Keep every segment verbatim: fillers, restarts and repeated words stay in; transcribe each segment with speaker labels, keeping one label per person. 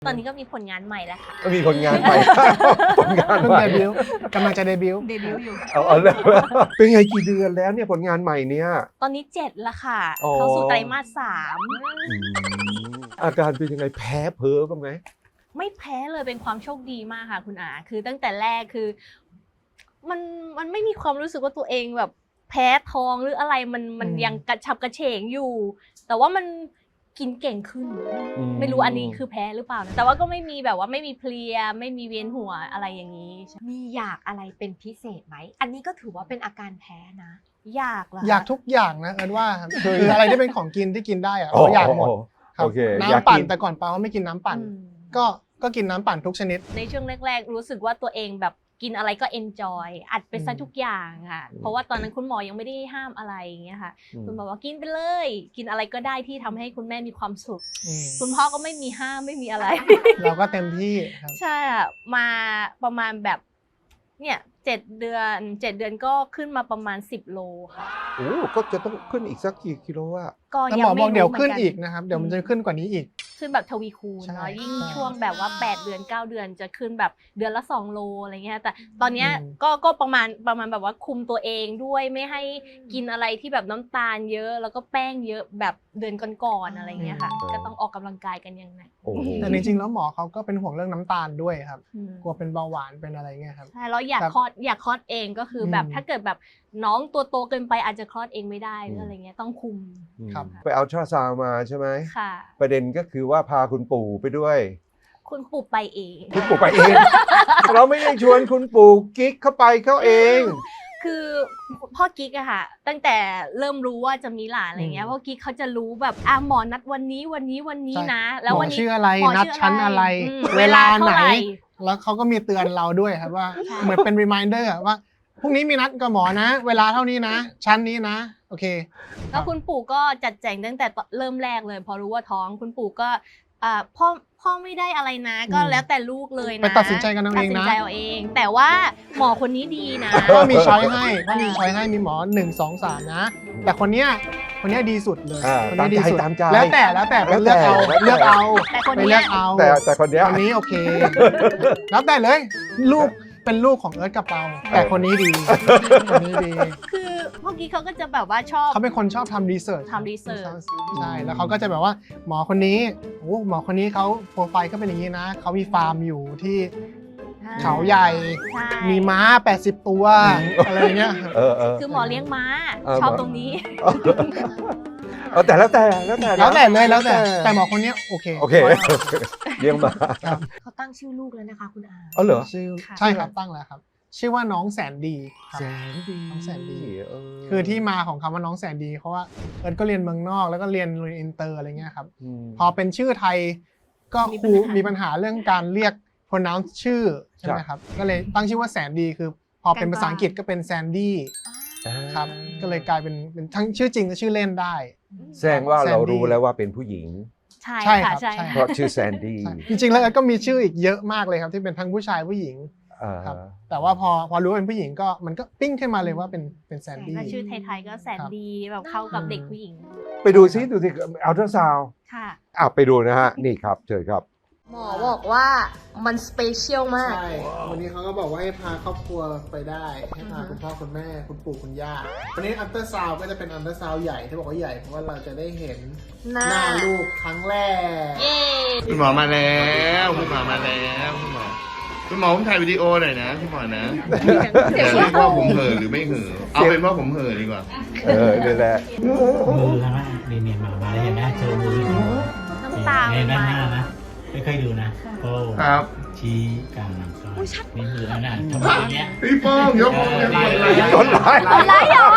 Speaker 1: ตอนนี้ก็มีผลงานใหม่แล้วค่ะ
Speaker 2: ก็มีผลงานใหม่ ผลงาน
Speaker 3: เพิ่ง
Speaker 2: ใหม่
Speaker 3: เดบิวต์กำลังจะเดบิวต์
Speaker 1: เดบิวต์อยู่
Speaker 2: เอาเอาเลยเป็นไงกี่เดือนแล้วเนี่ยผลงานใหม่เนี่ย
Speaker 1: ตอนนี้เจ็ดแล้วค่ะ
Speaker 2: อ๋อ
Speaker 1: เข้าสู่ไตรมาสสาม
Speaker 2: อืมอาการเป็นยังไงแพ้เพ้อบ้างไหม
Speaker 1: ไม่แพ้เลยเป็นความโชคดีมากค่ะคุณอาคือตั้งแต่แรกคือ มันมันไม่มีความรู้สึกว่าตัวเองแบบแพ้ท้องหรืออะไรมันมันยังกระฉับกระเฉงอยู่ แต่ว่ามันกินเก่งขึ้น ไม่รู้อันนี้คือแพ้หรือเปล่านะแต่ว่าก็ไม่มีแบบว่าไม่มีเพลียไม่มีเวียนหัวอะไรอย่างนี้
Speaker 4: มีอยากอะไรเป็นพิเศษไหม อันนี้ก็ถือว่าเป็นอาการแพ้นะ
Speaker 1: อยากเหรอคะ
Speaker 3: อยากทุกอย่างนะเอิญว่าคืออะไรที่เป็นของกินที่กินได้อะ
Speaker 2: โอ้
Speaker 3: เราอยากหมดครับ
Speaker 2: โอเคอยาก
Speaker 3: น้ำปั่น
Speaker 2: กิน
Speaker 3: แต่ก่อนปาไม่กินน้ำปั่น
Speaker 1: อืม
Speaker 3: ก็ก็กินน้ำปั่นทุกชนิด
Speaker 1: ในช่วงแรกๆรู้สึกว่าตัวเองแบบกินอะไรก็เอนจอยอัดไปซะ
Speaker 3: อืม
Speaker 1: ทุกอย่างค่ะ
Speaker 2: อืม
Speaker 1: เพราะว่าตอนนั้นคุณหมอยังไม่ได้ห้ามอะไรอย่างเงี้ยค่ะ
Speaker 2: อืม
Speaker 1: คุณหมอบอกกินไปเลย กินอะไรก็ได้ที่ทำให้คุณแม่มีความสุข
Speaker 3: อืม
Speaker 1: คุณพ่อก็ไม่มีห้ามไม่มีอะไร
Speaker 3: เราก็เต็มที่ครับ
Speaker 1: ใช่อะมาประมาณแบบเนี่ยเจ็ดเดือนเจ็ดเดือนก็ขึ้นมาประมาณสิบโลค่ะ
Speaker 2: โอ้ก็จะต้องขึ้นอีกสักกี่กิโลอะ
Speaker 1: ก็
Speaker 3: แต่
Speaker 1: ยั
Speaker 3: หม
Speaker 1: ง
Speaker 3: อ
Speaker 1: ไม่
Speaker 3: บอก
Speaker 1: รู้
Speaker 3: เดี๋ยว
Speaker 1: หมื
Speaker 3: ขึ้น
Speaker 1: กั
Speaker 3: อีกนะครับเดี๋ยวมันจะขึ้นกว่านี้อีก
Speaker 1: ขึ้นแบบทวีคูณ
Speaker 3: ใช่
Speaker 1: เนาะยิ่ง
Speaker 3: ใช่
Speaker 1: ช่วงแบบว่าแปดเดือนเก้าเดือนจะขึ้นแบบเดือนละสองโลอะไรเงี้ยแต่ตอนเนี้ย
Speaker 3: อืม
Speaker 1: ก็ก็ประมาณประมาณแบบว่าคุมตัวเองด้วยไม่ให้กินอะไรที่แบบน้ำตาลเยอะ แล้วก็แป้งเยอะแบบเดือนก่อนๆอะไรเงี้ยค่ะ ก็ต้องออกกำลังกายกันอย่างหนัก
Speaker 2: โอ้โห
Speaker 3: แต่จริงๆแล้วหมอเขาก็เป็นห่วงเรื่องน้ำตาลด้วยครับ
Speaker 1: อืม
Speaker 3: กลัวเป็นเบาหวานเป็นอะไรเงี้ยครับ
Speaker 1: ใช่แล้วอยาก
Speaker 3: ครับ
Speaker 1: คลอดอยากคลอดเองก็คืออ
Speaker 3: ม
Speaker 1: แบบถ้าเกิดแบบน้องตัวโตเกินไปอาจจะคลอดเองไม่ได้หรืออะไรเงี้ยต้องคุม
Speaker 3: ครับ
Speaker 2: ไปเอาทราซาวน์มาใช่ไหม
Speaker 1: ค่ะ
Speaker 2: ประเด็นก็คือว่าพาคุณปู่ไปด้วย
Speaker 1: คุณปู่ไปเอง
Speaker 2: คุณปู่ไปเอง เราไม่ได้ชวนคุณปู่กิ๊กเข้าไปเขาเอง
Speaker 1: คือพ่อกิ๊กอะค่ะ ตั้งแต่เริ่มรู้ว่าจะมีหลานอะไรเงี้ย
Speaker 3: อืม
Speaker 1: พ่อกิ๊กเขาจะรู้แบบอ่ะหมอนัดวันนี้วันนี้วันนี้
Speaker 3: ใช่
Speaker 1: นะ แล้ววัน
Speaker 3: หมอ
Speaker 1: นี้
Speaker 3: ชื่ออะไร
Speaker 1: หมอ
Speaker 3: นัดชั้นอะไร
Speaker 1: อืม
Speaker 3: เวลาไหน
Speaker 1: เท่ร่
Speaker 3: แล้วเขาก็มีเตือนเราด้วยครับว่า
Speaker 1: ใช่
Speaker 3: เหมือนเป็น reminder อะว่าพรุ่งนี้มีนัดกับหมอนะ เวลาเท่านี้นะ ชั้นนี้นะ โอเค
Speaker 1: แล้วคุณปู่ก็จัดแจงตั้งแต่เริ่มแรกเลย พอรู้ว่าท้องคุณปู่ก็อ่าพ่อพ่อไม่ได้อะไรนะ ก็
Speaker 3: อืม
Speaker 1: แล้วแต่ลูกเลยนะ
Speaker 3: ไปตัดสินใจกันเอาเองนะ
Speaker 1: ตัดสินใจเอาเอง แต่ว่าหมอคนนี้ดีนะ
Speaker 3: ก็มีช้อยให้ก็มีช้อยให้มีหมอหนึ่งสองสามนะ แต่คนเนี้ยคนเนี้ยดีสุดเลย
Speaker 2: อ่า
Speaker 3: คนนี้ดีสุด
Speaker 2: ตามใจ
Speaker 3: แล้วแต่แล้วแต่ไป
Speaker 2: แล้ว
Speaker 3: เลื
Speaker 2: แต่
Speaker 3: อกเอา
Speaker 2: แล้วแต่
Speaker 3: เลือกเอา
Speaker 1: แต่คน
Speaker 3: ไป
Speaker 1: เนี้
Speaker 3: เลื
Speaker 1: ย
Speaker 3: อกเอา
Speaker 2: แต่แต่คนเนี้ย
Speaker 3: คนนี้โอเค แล้วแต่เลยลูกเป็นลูกของเอิร์ธกับเปาแต่คนนี้ดีคนนี้ดี
Speaker 1: คือพ่อกิ๊กเขาก็จะแบบว่าชอบ
Speaker 3: เขาเป็นคนชอบทำรีเสิร์ช
Speaker 1: ทำ research
Speaker 3: ใช่แล้วเขาก็จะแบบว่าหมอคนนี้โอ้หมอคนนี้เขาโปรไฟล์ก็เป็นอย่างนี้นะเขามีฟาร์มอยู่ที่เขาใหญ่
Speaker 1: ใช่
Speaker 3: มีม้าแปดสิบตัวอะไรเงี้ย
Speaker 2: เออเออ
Speaker 1: คือหมอเลี้ยงม้า
Speaker 2: เออ
Speaker 1: ชอบ
Speaker 2: หมอ
Speaker 1: ตรงนี้
Speaker 2: เอาแต่แล้วแต่แล้วแต่นะ
Speaker 3: แล้วแต่เลยแล้วแต่แต่หมอคนเนี้ยโอเค
Speaker 2: โอเคเลี้ยงมา
Speaker 3: ครับ
Speaker 4: เขาตั้งชื่อลูกแล้วนะคะคุณอา
Speaker 2: เอาเหรอ
Speaker 3: ชื่อ
Speaker 1: ค่ะ
Speaker 3: ใช่ครับตั้งแล้วครับ ชื่อว่าน้องแสนดีครับ
Speaker 2: แสนดี
Speaker 3: น้องแสนดี
Speaker 2: เออ
Speaker 3: คือที่มาของคำว่าน้องแสนดีเพราะว่าเอิร์ธก็เรียนเมืองนอกแล้วก็เรียนโรงเรียนอินเตอร์อะไรเงี้ยครับ
Speaker 2: ม
Speaker 3: พอเป็นชื่อไทยก็ครูมีปัญหาเรื่องการเรียก pronounce ชื่อใช่ไหมครับ ก็เลยตั้งชื่อว่าแสนดีคือ พอเป็นภาษาอังกฤษก็เป็นแซนดี้ครับ ก็เลยกลายเป็นเป็นทั้งชื่อจริงและชื่อเล่นได้
Speaker 2: แสดงว่าเรา
Speaker 3: แซนดี้
Speaker 2: รู้แล้วว่าเป็นผู้หญิง
Speaker 1: ใช่
Speaker 3: ใช่ครั
Speaker 1: ค่ะ
Speaker 3: บ
Speaker 1: ใช่
Speaker 3: ใช่
Speaker 2: เพราะชื่อแซนดี้
Speaker 3: ใช่จริงๆแล้วเอิร์ธก็มีชื่ออีกเยอะมากเลยครับที่เป็นทั้งผู้ชายผู้หญิง
Speaker 2: อ่า
Speaker 3: ครับ แต่ว่าพอพอรู้ว่าเป็นผู้หญิงก็มันก็ปิ้งขึ้นมาเลยว่าเป็นเป็นแซนดี้
Speaker 1: ถ้าชื่อไทยๆก็แสนดีแบบเข้ากับเด็กผู้หญิง
Speaker 2: ไปดูซิดูสิอัลตราซาวด์
Speaker 1: ค่ะ
Speaker 2: อ่ะไปดูนะฮะ นี่ครับเชิญครับ
Speaker 1: หมอบอกว่ามันสเปเชียลมาก
Speaker 3: ใช่ วันนี้เขาก็บอกว่าให้พาครอบครัวไปได้ ให้พาคุณพ่อคุณแม่คุณปู่คุณย่า วันนี้อัลตราซาวด์ก็จะเป็นอัลตราซาวด์ใหญ่ที่บอกว่าใหญ่เพราะว่าเราจะได้เห็น
Speaker 1: หน้า
Speaker 3: หน้าลูกครั้งแรก
Speaker 1: เย้
Speaker 5: คุณหมอมาแล้วคุณหมอมาแล้วคุณหมอคุณหมอผมถ่ายวิดีโอหน่อยนะคุณหมอนะอย่าเรียกว่าผมเห่อหรือไม่เห่อเอาเป็นว่าผมเห่อดีกว่า
Speaker 2: เออนี่แหละ
Speaker 6: มือนะนี่เนี่ยมามาแล้วเห็นไหมโชว์มือ
Speaker 1: น้ำตา
Speaker 6: ใน
Speaker 1: ไหล
Speaker 6: ด้านหน้านะไม่ค่อยดูนะโป้
Speaker 5: ครับ
Speaker 6: ชี้กลางลำต้นนี่มือแล้วนะทำไมอย่างเงี้ย
Speaker 5: พี่ป้องยกมือกันกดไลค์
Speaker 2: กดไลค์
Speaker 1: อะไรเหรอก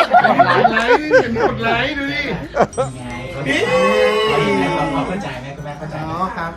Speaker 5: ดไลค์เห็นกดไลค์ดูดิ
Speaker 6: ไงเขาเขาเข้าใจไหมคุณแม่เข้าใจ
Speaker 3: อ๋
Speaker 6: ไห
Speaker 3: อ
Speaker 6: ม
Speaker 3: ครับ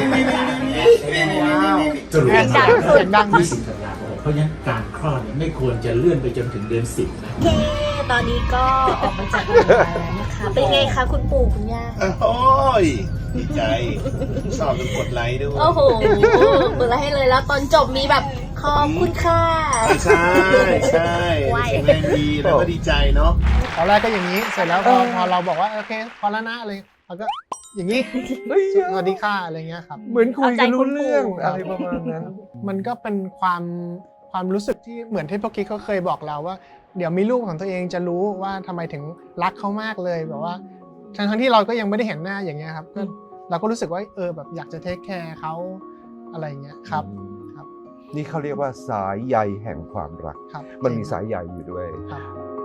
Speaker 6: ว้าว
Speaker 3: สรุปเสียงดังเสียงดัง
Speaker 6: ยี่สิบธันวาคมเพราะฉะนั้นการคลอดเนี่ยไม่ควรจะเลื่อนไปจนถึงเดือนสิบนะ
Speaker 1: เย้ตอนนี้ก็ออกมาจากโรงพยาบาลแล้วนะคะ เป็นไงคะคุณปู่คุณย่า
Speaker 5: โอ้ยดีใจชอบกดไลค์ด้วย
Speaker 1: โอ้โหเปิดแล้วให้เลยแล้วตอนจบมีแบบขอบคุณค่ะ
Speaker 5: ใช่ใช่แข็งแรงดีแล้วก็ดีใจเนาะ
Speaker 3: ตอนแรกก็อย่างนี้ เสร็จแล้วพอพอเราบอกว่าโอเคพอแล้วนะอะไรเขาก็อย่างนี้
Speaker 2: เฮ้ย
Speaker 3: สวัสดีค่ะอะไรเงี้ยครับ
Speaker 2: เหมือนคุยกันรู้เรื่อง
Speaker 1: เอาใจคุณปู่
Speaker 2: อะไรประมาณนั้น
Speaker 3: มันก็เป็นความความรู้สึกที่เหมือนที่พ่อกิ๊กเขาเคยบอกเราว่า เดี๋ยวมีลูกของตัวเองจะรู้ว่าทำไมถึงรักเขามากเลยแบบว่าทั้งทั้งที่เราก็ยังไม่ได้เห็นหน้าอย่างเงี้ยครับก็เราก็รู้สึกว่าเออแบบอยากจะเทคแคร์เขาอะไรเงี้ยครับ ครับ
Speaker 2: นี่เขาเรียกว่าสายใยแห่งความรัก
Speaker 3: ครับ
Speaker 2: มันมีสายใยอยู่ด้วย
Speaker 3: ครับ